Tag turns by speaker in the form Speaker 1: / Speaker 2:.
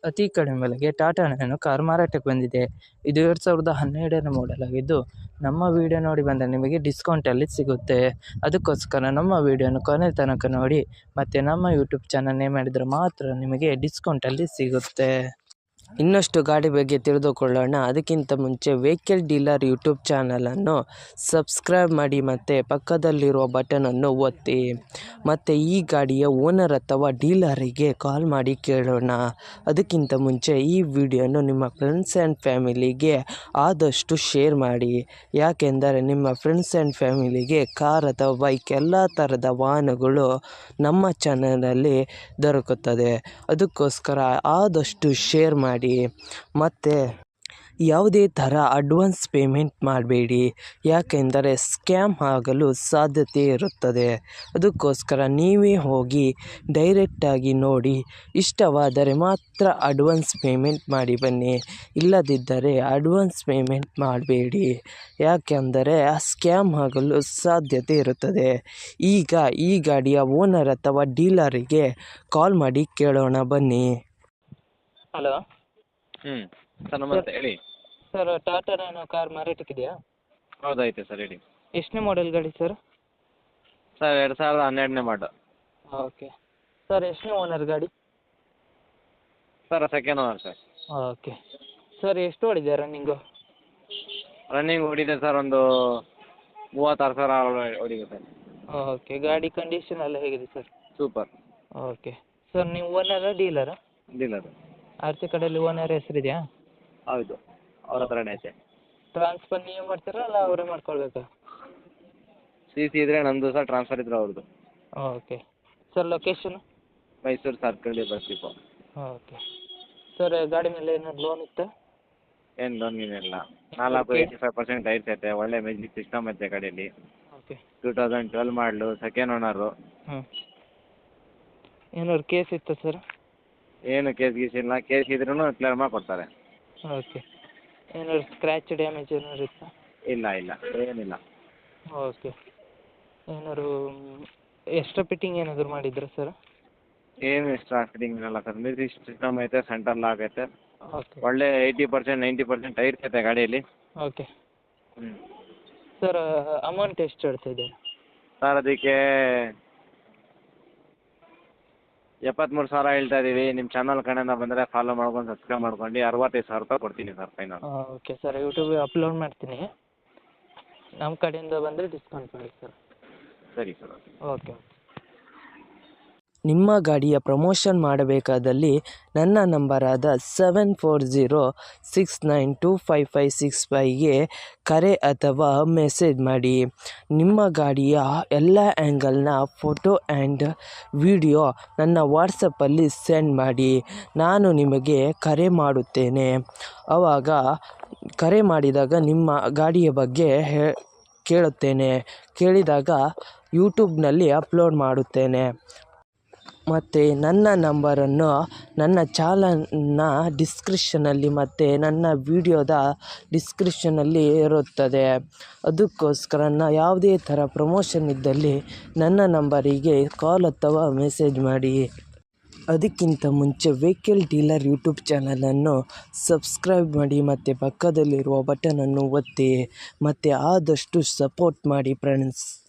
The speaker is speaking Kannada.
Speaker 1: ಅತಿ ಕಡಿಮೆ ಬೆಲೆಗೆ ಟಾಟಾ ನ್ಯಾನೋ ಕಾರ್ ಮಾರಾಟಕ್ಕೆ ಬಂದಿದೆ. ಇದು 2012ನೇ ಮಾಡೆಲ್ ಆಗಿದ್ದು, ನಮ್ಮ ವಿಡಿಯೋ ನೋಡಿ ಬಂದರೆ ನಿಮಗೆ ಡಿಸ್ಕೌಂಟಲ್ಲಿ ಸಿಗುತ್ತೆ. ಅದಕ್ಕೋಸ್ಕರ ನಮ್ಮ ವಿಡಿಯೋನ ಕೊನೆ ತನಕ ನೋಡಿ ಮತ್ತು ನಮ್ಮ ಯೂಟ್ಯೂಬ್ ಚಾನಲ್ ನೇಮ್ ಮಾಡಿದರೆ ಮಾತ್ರ ನಿಮಗೆ ಡಿಸ್ಕೌಂಟಲ್ಲಿ ಸಿಗುತ್ತೆ. ಇನ್ನಷ್ಟು ಗಾಡಿ ಬಗ್ಗೆ ತಿಳಿದುಕೊಳ್ಳೋಣ. ಅದಕ್ಕಿಂತ ಮುಂಚೆ ವೆಹಿಕಲ್ ಡೀಲರ್ ಯೂಟ್ಯೂಬ್ ಚಾನಲನ್ನು ಸಬ್ಸ್ಕ್ರೈಬ್ ಮಾಡಿ ಮತ್ತು ಪಕ್ಕದಲ್ಲಿರುವ ಬಟನನ್ನು ಒತ್ತಿ. ಮತ್ತು ಈ ಗಾಡಿಯ ಓನರ್ ಅಥವಾ ಡೀಲರಿಗೆ ಕಾಲ್ ಮಾಡಿ ಕೇಳೋಣ. ಅದಕ್ಕಿಂತ ಮುಂಚೆ ಈ ವಿಡಿಯೋನು ನಿಮ್ಮ ಫ್ರೆಂಡ್ಸ್ ಆ್ಯಂಡ್ ಫ್ಯಾಮಿಲಿಗೆ ಆದಷ್ಟು ಶೇರ್ ಮಾಡಿ. ಯಾಕೆಂದರೆ ನಿಮ್ಮ ಫ್ರೆಂಡ್ಸ್ ಆ್ಯಂಡ್ ಫ್ಯಾಮಿಲಿಗೆ ಕಾರ್ ಅಥವಾ ಬೈಕ್ ಎಲ್ಲ ಥರದ ವಾಹನಗಳು ನಮ್ಮ ಚಾನಲಲ್ಲಿ ದೊರಕುತ್ತದೆ. ಅದಕ್ಕೋಸ್ಕರ ಆದಷ್ಟು ಶೇರ್ ಮಾಡಿ. ಮತ್ತು ಯಾವುದೇ ಥರ ಅಡ್ವಾನ್ಸ್ ಪೇಮೆಂಟ್ ಮಾಡಬೇಡಿ, ಯಾಕೆಂದರೆ ಸ್ಕ್ಯಾಮ್ ಆಗಲು ಸಾಧ್ಯತೆ ಇರುತ್ತದೆ. ಅದಕ್ಕೋಸ್ಕರ ನೀವೇ ಹೋಗಿ ಡೈರೆಕ್ಟಾಗಿ ನೋಡಿ, ಇಷ್ಟವಾದರೆ ಮಾತ್ರ ಅಡ್ವಾನ್ಸ್ ಪೇಮೆಂಟ್ ಮಾಡಿ ಬನ್ನಿ. ಇಲ್ಲದಿದ್ದರೆ ಅಡ್ವಾನ್ಸ್ ಪೇಮೆಂಟ್ ಮಾಡಬೇಡಿ, ಯಾಕೆಂದರೆ ಸ್ಕ್ಯಾಮ್ ಆಗಲು ಸಾಧ್ಯತೆ ಇರುತ್ತದೆ. ಈಗ ಈ ಗಾಡಿಯ ಓನರ್ ಅಥವಾ ಡೀಲರಿಗೆ ಕಾಲ್ ಮಾಡಿ ಕೇಳೋಣ ಬನ್ನಿ. ಹಲೋ
Speaker 2: ಸರ್ ನಮಸ್ತೆ, ಹೇಳಿ.
Speaker 1: ಸರ್, ಟಾಟಾ ನ್ಯಾನೋ ಕಾರ್ ಮಾರಾಟಕ್ಕಿದೆಯಾ?
Speaker 2: ಹೌದೈತೆ ಸರ್, ಹೇಳಿ.
Speaker 1: ಎಷ್ಟನೇ ಮಾಡೆಲ್ ಗಾಡಿ ಸರ್?
Speaker 2: ಸರ್ 2012ನೇ ಮಾಡಲ್.
Speaker 1: ಓಕೆ ಸರ್, ಎಷ್ಟನೇ ಓನರ್ ಗಾಡಿ?
Speaker 2: Sir second owner sir.
Speaker 1: Okay sir, ಎಷ್ಟು ಓಡಿದೆ ರನ್ನಿಂಗು?
Speaker 2: ರನ್ನಿಂಗ್ ಓಡಿದೆ ಸರ್, ಒಂದು 36,000 ಓಡಿದೆ ಸರ್.
Speaker 1: ಓಕೆ, ಗಾಡಿ ಕಂಡೀಷನ್ ಎಲ್ಲ ಹೇಗಿದೆ ಸರ್?
Speaker 2: ಸೂಪರ್.
Speaker 1: ಓಕೆ ಸರ್, ನೀವು ಓನರಾ ಡೀಲರಾ?
Speaker 2: ಡೀಲರ್.
Speaker 1: ಆರ್ ಸಿ ಕಡೆಯಲ್ಲಿ ಓನರ್ ಹೆಸರಿದೆಯಾ?
Speaker 2: ಹೌದು, ಅವ್ರ ಹತ್ರನೇ ಐತೆ.
Speaker 1: ಟ್ರಾನ್ಸ್ಫರ್ ನೀವು ಮಾಡ್ತೀರಾ ಅಲ್ಲ ಅವರೇ ಮಾಡ್ಕೊಳ್ಬೇಕಾ?
Speaker 2: ಸಿ ಇದ್ರೆ ನಮ್ಮದು ಸರ್, ಟ್ರಾನ್ಸ್ಫರ್ ಇದ್ರೆ ಅವ್ರದ್ದು.
Speaker 1: Okay sir, location?
Speaker 2: Mysuru circle bus depot.
Speaker 1: Okay sir, ಗಾಡಿ ಮೇಲೆ ಏನಾದ್ರು ಲೋನ್ ಇತ್ತಾ?
Speaker 2: ಏನು ಲೋನ್ ಏನಿಲ್ಲ. 85% ಟೈರ್ಸ್ ಐತೆ, ಒಳ್ಳೆ ಮ್ಯೂಸಿಕ್ ಸಿಸ್ಟಮ್ ಐತೆ ಗಾಡಿಯಲ್ಲಿ.
Speaker 1: Okay
Speaker 2: 2012 model, second owner.
Speaker 1: ಏನಾದ್ರು ಕೇಸ್ ಇತ್ತಾ ಸರ್?
Speaker 2: ಏನು ಕೇಸ್ ಗೀಸ್ ಇಲ್ಲ, ಕೇಸ್ ಇದ್ರೂ ಕ್ಲಿಯರ್ ಮಾಡಿ ಕೊಡ್ತಾರೆ.
Speaker 1: ಓಕೆ, ಏನಾದ್ರು ಸ್ಕ್ರ್ಯಾಚ್ ಡ್ಯಾಮೇಜ್ ಏನಾದ್ರು ಇತ್ತಾ?
Speaker 2: ಇಲ್ಲ ಏನಿಲ್ಲ.
Speaker 1: ಓಕೆ, ಏನಾದ್ರು ಎಕ್ಸ್ಟ್ರಾ ಫಿಟ್ಟಿಂಗ್ ಏನಾದರೂ ಮಾಡಿದ್ರಾ ಸರ್?
Speaker 2: ಏನು ಎಕ್ಸ್ಟ್ರಾ ಫಿಟ್ಟಿಂಗ್ ಇರಲ್ಲ ಸರ್. ಮ್ಯೂಸಿಕ್ ಸಿಸ್ಟಮ್ ಐತೆ, ಸೆಂಟರ್ ಲಾಕ್ ಐತೆ,
Speaker 1: ಓಕೆ
Speaker 2: ಒಳ್ಳೆ 80% 90% ಟೈರ್ಸ್ ಐತೆ ಗಾಡಿಯಲ್ಲಿ.
Speaker 1: ಓಕೆ ಸರ್, ಅಮೌಂಟ್ ಎಷ್ಟು ಹೇಳ್ತಾ ಇದ್ದೀರಾ
Speaker 2: ಸರ್? ಅದಕ್ಕೆ 73,000 ಹೇಳ್ತಾ ಇದ್ದೀವಿ. ನಿಮ್ಮ ಚಾನಲ್ ಕಡೆಯಿಂದ ಬಂದರೆ ಫಾಲೋ ಮಾಡ್ಕೊಂಡು ಸಬ್ಸ್ಕ್ರೈಬ್ ಮಾಡ್ಕೊಂಡು 65,000 ರೂಪಾಯಿ ಕೊಡ್ತೀನಿ ಸರ್ ಫೈನಲ್.
Speaker 1: ಓಕೆ ಸರ್, ಯೂಟ್ಯೂಬಿಗೆ ಅಪ್ಲೋಡ್ ಮಾಡ್ತೀನಿ. ನಮ್ಮ ಕಡೆಯಿಂದ ಬಂದರೆ ಡಿಸ್ಕೌಂಟ್ ಮಾಡಿ ಸರ್.
Speaker 2: ಸರಿ ಸರ್.
Speaker 1: ಓಕೆ.
Speaker 3: ನಿಮ್ಮ ಗಾಡಿಯ ಪ್ರಮೋಷನ್ ಮಾಡಬೇಕಾದಲ್ಲಿ ನನ್ನ ನಂಬರಾದ 7406925565ಗೆ ಕರೆ ಅಥವಾ ಮೆಸೇಜ್ ಮಾಡಿ. ನಿಮ್ಮ ಗಾಡಿಯ ಎಲ್ಲ ಆ್ಯಂಗಲ್ನ ಫೋಟೋ ಆ್ಯಂಡ್ ವಿಡಿಯೋ ನನ್ನ ವಾಟ್ಸಪ್ಪಲ್ಲಿ ಸೆಂಡ್ ಮಾಡಿ. ನಾನು ನಿಮಗೆ ಕರೆ ಮಾಡುತ್ತೇನೆ. ಆವಾಗ ಕರೆ ಮಾಡಿದಾಗ ನಿಮ್ಮ ಗಾಡಿಯ ಬಗ್ಗೆ ಕೇಳಿದಾಗ ಯೂಟ್ಯೂಬ್ನಲ್ಲಿ ಅಪ್ಲೋಡ್ ಮಾಡುತ್ತೇನೆ. ಮತ್ತು ನನ್ನ ನಂಬರನ್ನು ನನ್ನ ಚಾನಲ್ನ ಡಿಸ್ಕ್ರಿಪ್ಷನಲ್ಲಿ ಮತ್ತು ನನ್ನ ವಿಡಿಯೋದ ಡಿಸ್ಕ್ರಿಪ್ಷನಲ್ಲಿ ಇರುತ್ತದೆ. ಅದಕ್ಕೋಸ್ಕರ ಯಾವುದೇ ಥರ ಪ್ರಮೋಷನ್ ಇದ್ದಲ್ಲಿ ನನ್ನ ನಂಬರಿಗೆ ಕಾಲ್ ಅಥವಾ ಮೆಸೇಜ್ ಮಾಡಿ. ಅದಕ್ಕಿಂತ ಮುಂಚೆ ವೆಹಿಕಲ್ ಡೀಲರ್ ಯೂಟ್ಯೂಬ್ ಚಾನಲನ್ನು ಸಬ್ಸ್ಕ್ರೈಬ್ ಮಾಡಿ ಮತ್ತು ಪಕ್ಕದಲ್ಲಿರುವ ಬಟನನ್ನು ಒತ್ತಿ ಮತ್ತು ಆದಷ್ಟು ಸಪೋರ್ಟ್ ಮಾಡಿ ಫ್ರೆಂಡ್ಸ್.